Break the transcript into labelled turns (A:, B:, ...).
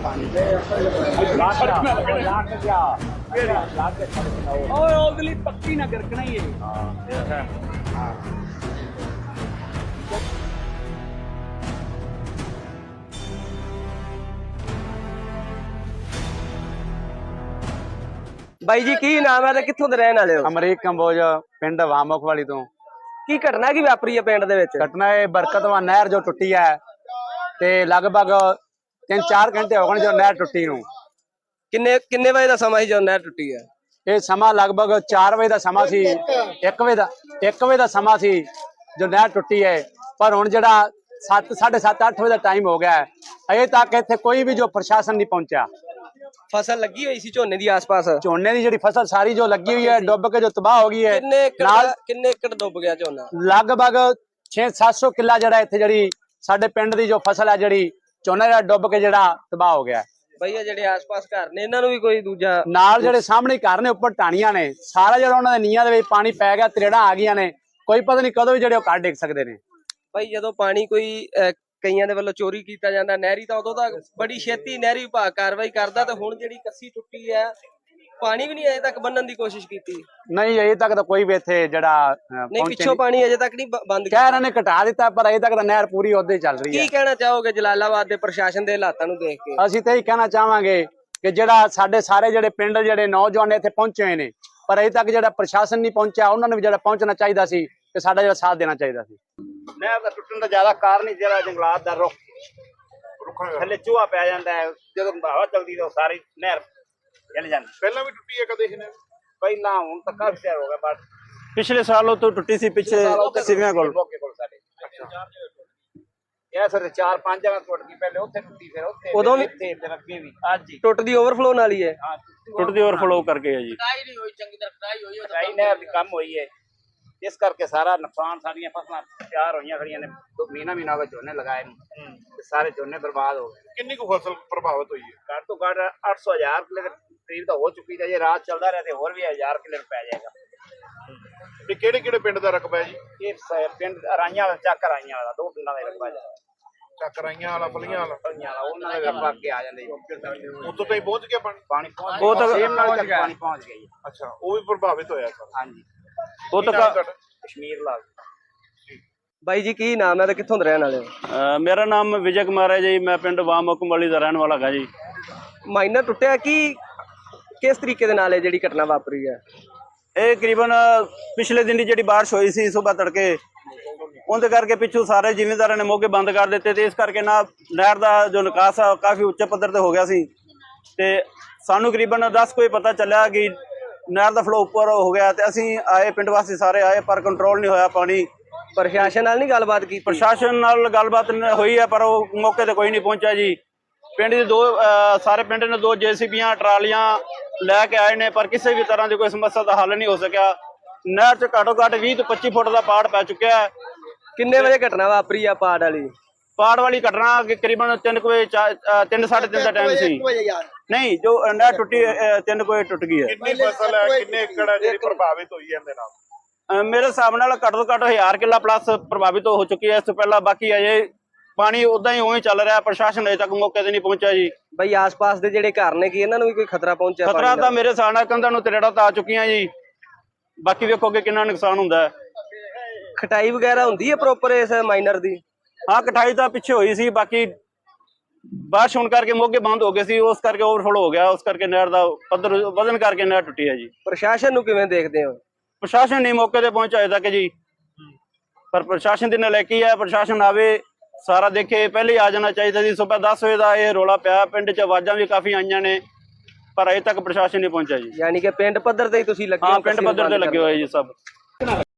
A: ਉਹਦੇ ਪੱਕੀ ਨਾ ਗਰਕਣਾ ਹੀ ਹੈ।
B: ਬਾਈ ਜੀ ਕੀ ਨਾਮ ਹੈ ਤੇ ਕਿੱਥੋਂ ਦੇ ਰਹਿਣ ਵਾਲੇ ਹੋ?
C: ਅਮਰੀਕ ਕੰਬੋਜ ਪਿੰਡ ਵਾਮੁਖ ਵਾਲੀ ਤੋਂ।
B: ਕੀ ਘਟਨਾ ਕੀ ਵਾਪਰੀ ਹੈ ਪਿੰਡ ਦੇ ਵਿੱਚ?
C: ਘਟਨਾ ਇਹ ਬਰਕਤਵਾਂ ਨਹਿਰ ਜੋ ਟੁੱਟੀ ਹੈ ਤੇ ਲਗਭਗ 3-4 ਘੰਟੇ ਹੋ ਗਏ ਜੋ ਨਹਿਰ ਟੁੱਟੀ ਨੂੰ।
B: ਕਿੰਨੇ ਵਜੇ ਦਾ ਸਮਾਂ ਸੀ ਜਦੋਂ ਨਹਿਰ ਟੁੱਟੀ ਹੈ?
C: ਇਹ ਸਮਾਂ ਲਗਭਗ 4 ਵਜੇ ਦਾ ਸਮਾਂ ਸੀ, 1 ਵਜੇ ਦਾ ਸਮਾਂ ਸੀ ਜੋ ਨਹਿਰ ਟੁੱਟੀ ਹੈ। ਪਰ ਹੁਣ ਜਿਹੜਾ 7:30-8 ਵਜੇ ਦਾ ਟਾਈਮ ਹੋ ਗਿਆ ਹੈ, ਅਜੇ ਤੱਕ ਇੱਥੇ ਕੋਈ ਵੀ ਜੋ ਪ੍ਰਸ਼ਾਸਨ ਨਹੀਂ ਪਹੁੰਚਿਆ।
B: ਫਸਲ ਲੱਗੀ ਹੋਈ ਸੀ ਝੋਨੇ ਦੀ ਆਸ-ਪਾਸ?
C: ਝੋਨੇ ਦੀ ਜਿਹੜੀ ਫਸਲ ਸਾਰੀ ਜੋ ਲੱਗੀ ਹੋਈ ਹੈ ਡੁੱਬ ਕੇ ਜੋ ਤਬਾਹ ਹੋ ਗਈ ਹੈ।
B: ਕਿੰਨੇ ਏਕੜ ਡੁੱਬ ਗਿਆ ਝੋਨਾ?
C: ਲਗਭਗ 600-700 ਕਿੱਲਾ ਜਿਹੜਾ ਇੱਥੇ ਜਿਹੜੀ ਸਾਡੇ ਪਿੰਡ ਦੀ ਜੋ ਫਸਲ ਹੈ ਜਿਹੜੀ ਝੋਨਾ ਜਿਹੜਾ ਡੁੱਬ ਕੇ ਜਿਹੜਾ ਤਬਾਹ ਹੋ ਗਿਆ।
B: ਬਈ ਇਹ ਜਿਹੜੇ ਆਸ-ਪਾਸ ਘਰ ਨੇ ਇਹਨਾਂ ਨੂੰ ਵੀ ਕੋਈ ਦੂਜਾ
C: ਨਾਲ ਜਿਹੜੇ ਸਾਹਮਣੇ ਘਰ ਨੇ ਉੱਪਰ ਟਾਣੀਆਂ ਨੇ, ਸਾਰਾ ਜਿਹੜਾ ਉਹਨਾਂ ਦੇ ਨੀਆਂ ਦੇ ਵਿੱਚ ਪਾਣੀ ਪੈ ਗਿਆ, ਤਰੇੜਾਂ ਆ ਗਈਆਂ ਨੇ, ਕੋਈ ਪਤਾ ਨਹੀਂ ਕਦੋਂ ਵੀ ਜਿਹੜੇ ਉਹ ਘਰ ਡਿੱਗ ਸਕਦੇ ਨੇ।
B: ਬਈ ਜਦੋਂ ਪਾਣੀ ਕੋਈ ਕਈਆਂ ਦੇ ਵੱਲੋਂ ਚੋਰੀ ਕੀਤਾ ਜਾਂਦਾ ਨਹਿਰੀ ਤਾਂ ਉਦੋਂ ਤੱਕ ਬੜੀ ਛੇਤੀ ਨਹਿਰੀ ਵਿਭਾਗ ਕਾਰਵਾਈ ਕਰਦਾ, ਤੇ ਹੁਣ ਜਿਹੜੀ ਕੱਸੀ ਟੁੱਟੀ ਹੈ ਪਾਣੀ ਵੀ ਨਹੀਂ ਅਜੇ ਤੱਕ ਬੰਨਣ ਦੀ ਕੋਸ਼ਿਸ਼ ਕੀਤੀ?
C: ਨਹੀਂ ਅਜੇ ਤੱਕ ਤਾਂ ਕੋਈ ਵੀ ਇੱਥੇ ਜਿਹੜਾ
B: ਨਹੀਂ, ਪਿੱਛੋਂ ਪਾਣੀ ਅਜੇ ਤੱਕ ਨਹੀਂ ਬੰਦ
C: ਕਹਿ ਰਹੇ ਨੇ ਘਟਾ ਦਿੱਤਾ, ਪਰ ਅਜੇ ਤੱਕ ਤਾਂ ਨਹਿਰ ਪੂਰੀ ਉੱਦਾਂ ਹੀ ਚੱਲ ਰਹੀ ਹੈ।
B: ਕੀ ਕਹਿਣਾ ਚਾਹੋਗੇ ਜਲਾਲਾਬਾਦ ਦੇ ਪ੍ਰਸ਼ਾਸਨ ਦੇ ਹਾਲਾਤਾਂ ਨੂੰ ਦੇਖ ਕੇ?
C: ਅਸੀਂ ਤਾਂ ਇਹੀ ਕਹਿਣਾ ਚਾਹਾਂਗੇ ਕਿ ਜਿਹੜਾ ਸਾਡੇ ਸਾਰੇ ਜਿਹੜੇ ਪਿੰਡ ਜਿਹੜੇ ਨੌਜਵਾਨ ਇੱਥੇ ਪਹੁੰਚੇ ਹੋਏ ਨੇ, ਪਰ ਅਜੇ ਤੱਕ ਜਿਹੜਾ ਪ੍ਰਸ਼ਾਸਨ ਨਹੀਂ ਪਹੁੰਚਿਆ, ਉਹਨਾਂ ਨੂੰ ਵੀ ਜਿਹੜਾ ਪਹੁੰਚਣਾ ਚਾਹੀਦਾ ਸੀ ਤੇ ਸਾਡਾ ਜਿਹੜਾ ਸਾਥ ਦੇਣਾ ਚਾਹੀਦਾ ਸੀ।
D: ਨਹਿਰ ਦਾ ਟੁੱਟਣ ਦਾ ਜ਼ਿਆਦਾ ਕਾਰਨ ਹੀ ਜਿਹੜਾ ਜੰਗਲਾਤ ਦਾ ਰੁੱਖ ਥੱਲੇ ਚੂਹਾ ਪੈ ਜਾਂਦਾ ਹੈ, ਜਦੋਂ ਹਵਾ ਚੱਲਦੀ ਤਾਂ ਸਾਰੀ ਨਹਿਰ ਹਿੱਲ ਜਾਂਦੀ।
E: ਪਹਿਲਾਂ ਵੀ ਟੁੱਟੀ ਹੈ ਕਦੇ ਇਹਨੇ?
D: ਪਹਿਲਾਂ ਹੁਣ ਤਾਂ ਕਾਫੀ ਟਾਈਮ ਹੋ ਗਿਆ, ਬਸ
C: ਪਿਛਲੇ ਸਾਲੋਂ ਤੋਂ ਟੁੱਟੀ ਸੀ, ਪਿੱਛੇ ਸਿਵਿਆਂ ਕੋਲ
D: ਸਾਡੇ ਇਹ ਸਰ 4-5 ਜਗ੍ਹਾ ਟੁੱਟ ਗਈ, ਪਹਿਲੇ ਉੱਥੇ ਟੁੱਟੀ, ਫਿਰ ਉੱਥੇ,
B: ਉਦੋਂ ਵੀ
D: ਇੱਥੇ, ਫਿਰ ਅੱਗੇ ਵੀ ਅੱਜ ਹੀ
B: ਟੁੱਟਦੀ ਓਵਰਫਲੋ ਨਾਲ ਹੀ ਹੈ?
D: ਹਾਂ,
C: ਟੁੱਟਦੀ ਓਵਰਫਲੋ ਕਰਕੇ ਹੈ ਜੀ।
D: ਕਟਾਈ ਨਹਿਰ ਦੀ ਕੰਮ ਹੋਈ ਹੈ, ਇਸ ਕਰਕੇ ਸਾਰਾ ਨੁਕਸਾਨ, ਸਾਡੀਆਂ ਫਸਲਾਂ ਤਿਆਰ ਹੋਈਆਂ ਖੜੀਆਂ ਨੇ, 2 ਮਹੀਨਾ ਹੋ ਗਿਆ ਝੋਨੇ ਲਗਾਏ ਨੂੰ, ਤੇ ਸਾਰੇ ਝੋਨੇ ਬਰਬਾਦ ਹੋ ਗਏ।
E: ਕਿੰਨੀ ਕੁ ਫਸਲ ਪ੍ਰਭਾਵਿਤ ਹੋਈ ਹੈ?
D: ਘੱਟ ਤੋਂ ਘੱਟ 800,000 ਕਿੱਲੇ ਦੇ ਕਰੀਬ ਤਾਂ ਹੋ ਚੁੱਕੀ ਹੈ। ਜੇ ਰਾਤ ਚੱਲਦਾ ਰਿਹਾ ਤੇ ਹੋਰ ਵੀ 1000 ਕਿੱਲੇ ਪੈ ਜਾਏਗਾ।
E: ਇਹ ਕਿਹੜੇ ਕਿਹੜੇ ਪਿੰਡ ਦਾ ਰਕਬਾ ਹੈ ਜੀ?
D: ਇਹ ਪਿੰਡ ਅਰਾਈਆਂ ਵਾਲਾ, ਚੱਕ ਅਰਾਈਆਂ ਵਾਲਾ, 2 ਪਿੰਡਾਂ ਦਾ ਰਕਬਾ ਜਾ
E: ਚੱਕਰਾਈਆਂ ਵਾਲਾ, ਫਲੀਆਂ ਵਾਲਾ,
D: ਉਹਨਾਂ ਦੇ ਰਕਬਾ ਅੱਗੇ ਆ ਜਾਂਦੇ।
E: ਉਦੋਂ ਤਾਈਂ ਪਹੁੰਚ ਗਿਆ ਪਾਣੀ?
D: ਪਾਣੀ ਪਹੁੰਚ
C: ਉਹ ਤਾਂ
D: ਗਿਆ, ਪਾਣੀ ਪਹੁੰਚ ਗਿਆ ਜੀ।
E: ਅੱਛਾ, ਉਹ ਵੀ ਪ੍ਰਭਾਵਿਤ ਹੋਇਆ ਸਰ?
D: ਹਾਂਜੀ,
C: ਉਹ ਤਾਂ
D: ਕਸ਼ਮੀਰ ਲਾਗ।
B: ਬਾਈ ਜੀ ਕੀ ਨਾਮ ਹੈ ਤੇ ਕਿੱਥੋਂ ਦੇ ਰਹਿਣ ਵਾਲੇ ਹੋ?
C: ਮੇਰਾ ਨਾਮ ਵਿਜੇ ਕੁਮਾਰ ਹੈ ਜੀ, ਮੈਂ ਪਿੰਡ ਵਾਮੁਖ ਵਾਲੀ ਦਾ ਰਹਿਣ ਵਾਲਾ ਹਾਂ ਜੀ।
B: ਮਾਈਨਰ ਟੁੱਟਿਆ ਕੀ ਕਿਸ ਤਰੀਕੇ ਦੇ ਨਾਲ ਇਹ ਜਿਹੜੀ ਘਟਨਾ ਵਾਪਰੀ ਹੈ?
C: ਇਹ ਕਰੀਬਨ ਪਿਛਲੇ ਦਿਨ ਦੀ ਜਿਹੜੀ ਬਾਰਿਸ਼ ਹੋਈ ਸੀ ਸਵੇਰ ਤੜਕੇ, ਉਹਦੇ ਕਰਕੇ ਪਿੱਛੋਂ ਸਾਰੇ ਜ਼ਿਮੀਂਦਾਰਾਂ ਨੇ ਮੋਗੇ ਬੰਦ ਕਰ ਦਿੱਤੇ, ਤੇ ਇਸ ਕਰਕੇ ਨਾ ਨਹਿਰ ਦਾ ਜੋ ਨਿਕਾਸ ਆ ਕਾਫੀ ਉੱਚੇ ਪੱਧਰ ਤੇ ਹੋ ਗਿਆ ਸੀ। ਤੇ ਸਾਨੂੰ ਕਰੀਬਨ 10 ਕੋਈ ਪਤਾ ਚੱਲਿਆ ਕਿ ਨਹਿਰ ਦਾ ਫਲੋ ਉੱਪਰ ਹੋ ਗਿਆ, ਤੇ ਅਸੀਂ ਆਏ, ਪਿੰਡ ਵਾਸੀ ਸਾਰੇ ਆਏ, ਪਰ ਕੰਟਰੋਲ ਨਹੀਂ ਹੋਇਆ ਪਾਣੀ।
B: ਪ੍ਰਸ਼ਾਸਨ ਨਾਲ ਨਹੀਂ ਗੱਲਬਾਤ ਕੀਤੀ?
C: ਪ੍ਰਸ਼ਾਸਨ ਨਾਲ ਗੱਲਬਾਤ ਹੋਈ ਹੈ, ਪਰ ਉਹ ਮੌਕੇ ਤੇ ਕੋਈ ਨਹੀਂ ਪਹੁੰਚਿਆ ਜੀ। ਪਿੰਡ ਦੇ ਸਾਰੇ ਪਿੰਡ ਨੇ 2 JCBਆਂ ਟਰਾਲੀਆਂ ਲੈ ਕੇ ਆਏ ਨੇ, ਪਰ ਕਿਸੇ ਵੀ ਤਰ੍ਹਾਂ ਦੀ ਕੋਈ ਸਮੱਸਿਆ ਦਾ ਹੱਲ ਨਹੀਂ ਹੋ ਸਕਿਆ। ਨਹਿਰ 'ਚ ਘੱਟੋ ਘੱਟ 20 ਤੋਂ 25 ਫੁੱਟ ਦਾ ਪਾੜ ਪੈ ਚੁੱਕਿਆ ਹੈ।
B: ਕਿੰਨੇ ਵਜੇ ਘਟਨਾ ਵਾਪਰੀ ਆ ਪਾੜ ਵਾਲੀ?
C: ਪਾੜ ਵਾਲੀ ਘਟਨਾ ਕਰੀਬਨ 3 ਵਜੇ 3-3:30 ਦਾ ਟਾਈਮ ਸੀ। ਨਹੀਂ, ਜੋ ਨਹਿਰ ਟੁੱਟੀ 3 ਵਜੇ ਟੁੱਟ ਗਈ ਹੈ।
E: ਕਿੰਨੀ ਫਸਲ ਹੈ, ਕਿੰਨੇ ਏਕੜ ਹੈ ਜਿਹੜੀ ਪ੍ਰਭਾਵਿਤ ਹੋਈ ਹੈ ਇਹਦੇ ਨਾਲ?
C: ਮੇਰੇ ਹਿਸਾਬ ਨਾਲ ਘੱਟ ਤੋਂ ਘੱਟ 1000 ਕਿੱਲਾ ਪਲੱਸ ਪ੍ਰਭਾਵਿਤ ਹੋ ਚੁੱਕੀ ਹੈ ਇਸ ਤੋਂ ਪਹਿਲਾਂ। ਬਾਕੀ ਅਜੇ ਪਾਣੀ ਉਦਾਂ ਹੀ ਉਵੇਂ ਚੱਲ ਰਿਹਾ, ਪ੍ਰਸ਼ਾਸਨ ਅਜੇ ਤੱਕ ਮੌਕੇ ਤੇ ਨਹੀਂ ਪਹੁੰਚਿਆ ਜੀ।
B: ਬਈ ਆਸ-ਪਾਸ ਦੇ ਜਿਹੜੇ ਘਰ ਨੇ ਕੀ ਇਹਨਾਂ ਨੂੰ ਵੀ ਕੋਈ ਖਤਰਾ ਪਹੁੰਚਿਆ?
C: ਖਤਰਾ ਤਾਂ ਮੇਰੇ ਹਿਸਾਬ ਨਾਲ ਕੰਧਾਂ ਨੂੰ ਤਰੇੜਾਂ ਤਾਂ ਆ ਚੁੱਕੀਆਂ ਜੀ, ਬਾਕੀ ਵੇਖੋ ਕਿ ਕਿੰਨਾ ਨੁਕਸਾਨ ਹੁੰਦਾ ਹੈ।
B: ਖਟਾਈ ਵਗੈਰਾ ਹੁੰਦੀ ਹੈ ਪ੍ਰੋਪਰ ਇਸ ਮਾਈਨਰ ਦੀ?
C: ਹਾਂ, ਕਟਾਈ ਤਾਂ ਪਿੱਛੇ ਹੋਈ ਸੀ, ਬਾਕੀ ਬਾਰਿਸ਼ ਹੋਣ ਕਰਕੇ ਮੋਗੇ ਬੰਦ ਹੋ ਗਏ ਸੀ, ਉਸ ਕਰਕੇ ਓਵਰਫਲੋ ਹੋ ਗਿਆ, ਉਸ ਕਰਕੇ ਨਹਿਰ ਦਾ ਪੱਧਰ ਵਧਣ ਕਰਕੇ ਨਹਿਰ ਟੁੱਟੀ ਹੈ ਜੀ।
B: ਪ੍ਰਸ਼ਾਸਨ ਨੂੰ ਕਿਵੇਂ ਦੇਖਦੇ ਹੋ?
C: ਪ੍ਰਸ਼ਾਸਨ ਨਹੀਂ ਮੌਕੇ ਤੇ ਪਹੁੰਚਿਆ ਅਜੇ ਤੱਕ ਜੀ, ਪਰ ਪ੍ਰਸ਼ਾਸਨ ਦੀ ਨਲਾਇਕੀ ਹੈ। ਪ੍ਰਸ਼ਾਸਨ ਆਵੇ, ਸਾਰਾ ਦੇਖੇ, ਪਹਿਲੇ ਆ ਜਾਣਾ ਚਾਹੀਦਾ ਸੀ। ਸਵੇਰ 10 ਵਜੇ ਦਾ ਇਹ ਰੌਲਾ ਪਿਆ, ਪਿੰਡ 'ਚ ਆਵਾਜ਼ਾਂ ਵੀ ਕਾਫੀ ਆਈਆਂ ਨੇ, ਪਰ ਅਜੇ ਤੱਕ ਪ੍ਰਸ਼ਾਸਨ ਨਹੀਂ ਪਹੁੰਚਿਆ ਜੀ।
B: ਯਾਨੀ ਕਿ ਪਿੰਡ ਪੱਧਰ ਤੇ ਹੀ ਤੁਸੀਂ ਲੱਗੇ?
C: ਹਾਂ, ਪਿੰਡ ਪੱਧਰ ਤੇ ਲੱਗੇ ਹੋਏ ਜੀ ਸਭ।